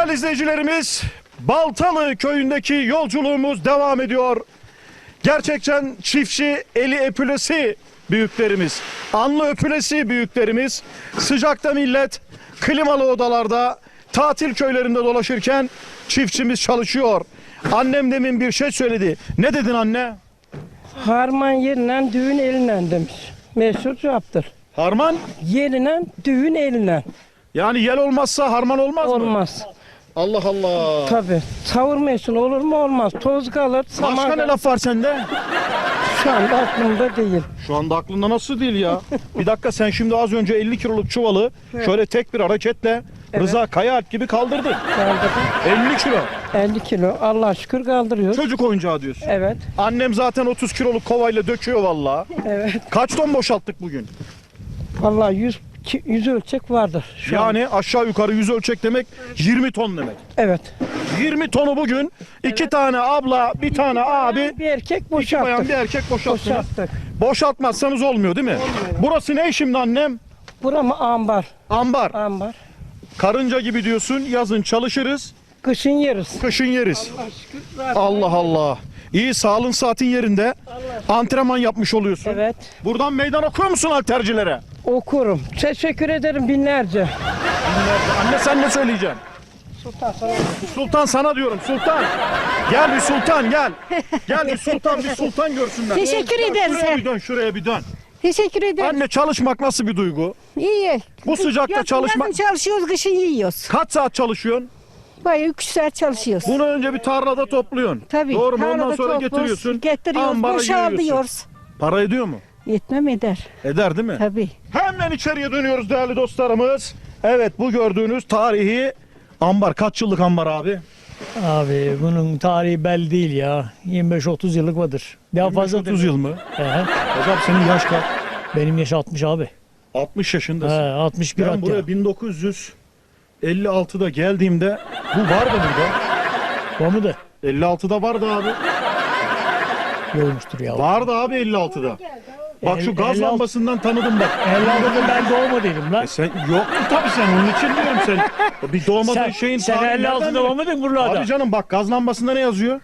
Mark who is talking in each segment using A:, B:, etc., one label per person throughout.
A: Değerli izleyicilerimiz, Baltalı köyündeki yolculuğumuz devam ediyor. Gerçekten çiftçi eli öpülesi büyüklerimiz, alnı öpülesi büyüklerimiz, sıcakta millet klimalı odalarda, tatil köylerinde dolaşırken çiftçimiz çalışıyor. Annem demin bir şey söyledi. Ne dedin anne?
B: Harman yerinden düğün elinden demiş. Meşhur cevaptır.
A: Harman?
B: Yerinden düğün elinden.
A: Yani yel olmazsa harman olmaz mı?
B: Olmaz.
A: Allah Allah.
B: Tabii. Savurmuyorsun olur mu olmaz. Toz kalır.
A: Başka ne laf var sende?
B: Şu anda aklımda değil.
A: Şu anda aklında nasıl değil ya? Bir dakika, sen şimdi az önce 50 kiloluk çuvalı şöyle tek bir hareketle Rıza Kayaalp gibi kaldırdın.
B: Kaldırdım.
A: 50 kilo.
B: 50 kilo. Allah'a şükür kaldırıyoruz.
A: Çocuk oyuncağı diyorsun.
B: Evet.
A: Annem zaten 30 kiloluk kovayla döküyor vallahi.
B: Evet.
A: Kaç ton boşalttık bugün?
B: Vallahi 100 ölçek vardır şu an.
A: Yani aşağı yukarı 100 ölçek demek 20 ton demek.
B: Evet.
A: 20 tonu bugün iki tane abla, bir tane abi,
B: Bir erkek
A: iki bayan
B: boşalttık.
A: bir erkek boşalttınız.
B: Boşalttık.
A: Boşaltmazsanız olmuyor değil mi? Burası ne şimdi annem?
B: Bura mı ambar?
A: Ambar.
B: Ambar.
A: Karınca gibi diyorsun, yazın çalışırız,
B: Kışın yeriz.
A: kışın yeriz.
B: Allah'a şükür. rahat.
A: Allah Allah. İyi, sağlığın saatin yerinde. Antrenman yapmış oluyorsun.
B: Evet.
A: Buradan meydan okuyor musun haltercilere?
B: Okurum. Teşekkür ederim binlerce.
A: Anne sen ne söyleyeceksin?
B: Sultan sana.
A: Sultan sana diyorum, sultan. Gel bir sultan gel. Gel bir sultan görsünler.
C: Teşekkür ederiz.
A: Şuraya bir dön, şuraya bir dön.
C: Teşekkür ederim.
A: Anne, çalışmak nasıl bir duygu?
C: İyi.
A: Bu sıcakta
C: Yazın
A: çalışmak...
C: çalışıyoruz, kışın yiyoruz.
A: Kaç saat çalışıyorsun?
C: Bayağı 3 saat çalışıyoruz.
A: Bunu önce bir tarlada topluyorsun.
C: Tabii.
A: Doğru mu? Ondan
C: tarlada
A: sonra
C: topluyoruz,
A: getiriyorsun.
C: Getiriyoruz,
A: ambara yığıyorsun.
C: boşaltıyoruz.
A: Para ediyor mu?
C: Yetmem eder.
A: Eder değil mi?
C: Tabii.
A: Hemen içeriye dönüyoruz değerli dostlarımız. Evet, bu gördüğünüz tarihi ambar. Kaç yıllık ambar abi?
D: Abi bunun tarihi belli değil ya. 25-30 yıllık vardır. Daha fazla
A: 30 yıl mı?
D: He.
A: Hocam senin yaş kaç?
D: Benim yaş 60 abi.
A: 60
D: He,
A: yaşındasın.
D: 61
A: Ben
D: hatta.
A: buraya 1956'da geldiğimde bu vardı burada.
D: Var mı da?
A: 56'da vardı abi.
D: Yolmuştur ya.
A: Vardı abi 56'da. Bak şu gaz
D: 56
A: lambasından tanıdım bak.
D: 56'da ben doğmadıydım lan.
A: Sen yoktu tabii, sen onun için diyorum sen. Bir doğmadığın
D: Sen,
A: şeyin
D: sen
A: tarihi nereden
D: 56'da var mıydın buralarda?
A: Abi canım bak, gaz lambasında ne yazıyor?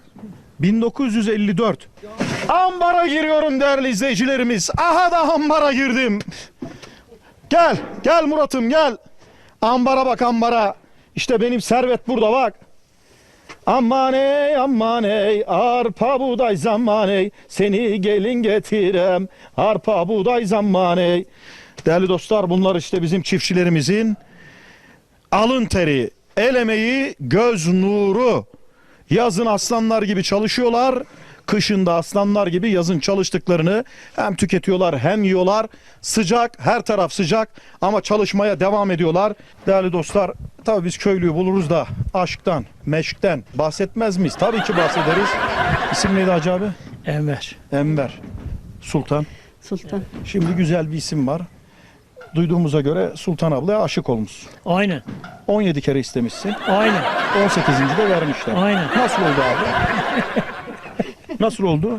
A: 1954. Ambara giriyorum değerli izleyicilerimiz. Aha da ambara girdim. Gel, gel Murat'ım gel. Ambara bak, ambara. İşte benim servet burada bak. Aman ey arpa buğday zaman ey, seni gelin getirem arpa buğday zaman ey. Değerli dostlar, bunlar işte bizim çiftçilerimizin alın teri, el emeği, göz nuru. Yazın aslanlar gibi çalışıyorlar. Kışın da aslanlar gibi yazın çalıştıklarını hem tüketiyorlar hem yiyorlar. Sıcak, her taraf sıcak ama çalışmaya devam ediyorlar. Değerli dostlar, tabii biz köylüyü buluruz da aşktan, meşkten bahsetmez miyiz? Tabii ki bahsederiz. İsim neydi Hacı abi?
D: Enver.
A: Enver. Sultan.
C: Sultan.
A: Şimdi güzel bir isim var. Duyduğumuza göre Sultan ablaya aşık olmuşsun.
D: Aynen.
A: 17 kere istemişsin.
D: Aynen.
A: 18. de vermişler.
D: Aynen.
A: Nasıl oldu abi? Nasıl oldu?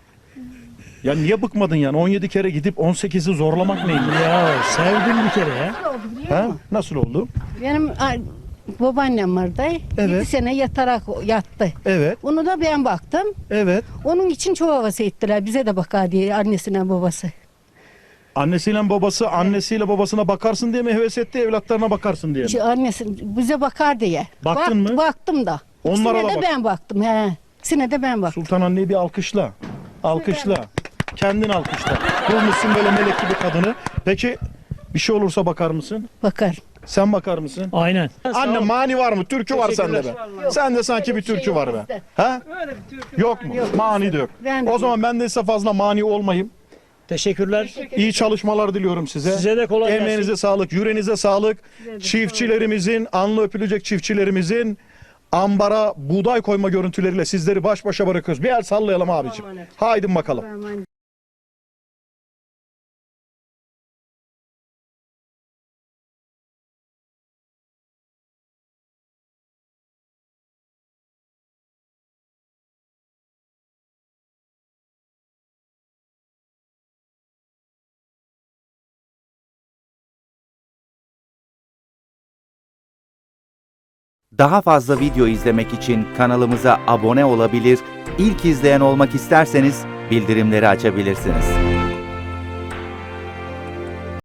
A: Ya niye bıkmadın yani? 17 kere gidip 18'i zorlamak neymiş?
D: Ya sevdim bir kere ya.
A: Ha? Nasıl oldu?
C: Benim babaannem vardı.
A: Evet.
C: 7 sene yatarak yattı.
A: Evet,
C: Onu da ben baktım.
A: evet.
C: Onun için çok havası ettiler. Bize de bakar diye annesine babası.
A: Annesiyle babası, annesiyle babasına bakarsın diye mi heves etti, evlatlarına bakarsın diye mi?
C: İşte annesi bize bakar diye.
A: Baktın mı?
C: Baktım da.
A: Onlara
C: İkisine
A: da
C: de
A: bak.
C: ben baktım. He. İkisine de ben baktım.
A: Sultan anneyi bir alkışla. Alkışla. Kendin alkışla. Bulmuşsun böyle melek gibi kadını. Peki bir şey olursa bakar mısın?
C: Bakar.
A: Sen bakar mısın?
D: Aynen.
A: Anne, mani var mı? Türkü var sende be. Sende sanki bir türkü var be. Ha? Yok mu? Mani de yok.
C: Ben de
A: O zaman ben de size fazla mani olmayayım.
D: Teşekkürler.
A: İyi çalışmalar diliyorum size.
D: Size de kolay gelsin.
A: Emeğinize sağlık, yüreğinize sağlık. Çiftçilerimizin, alnı öpülecek çiftçilerimizin ambara buğday koyma görüntüleriyle sizleri baş başa bırakıyoruz. Bir el sallayalım abicim. Haydi bakalım.
E: Daha fazla video izlemek için kanalımıza abone olabilir, ilk izleyen olmak isterseniz bildirimleri açabilirsiniz.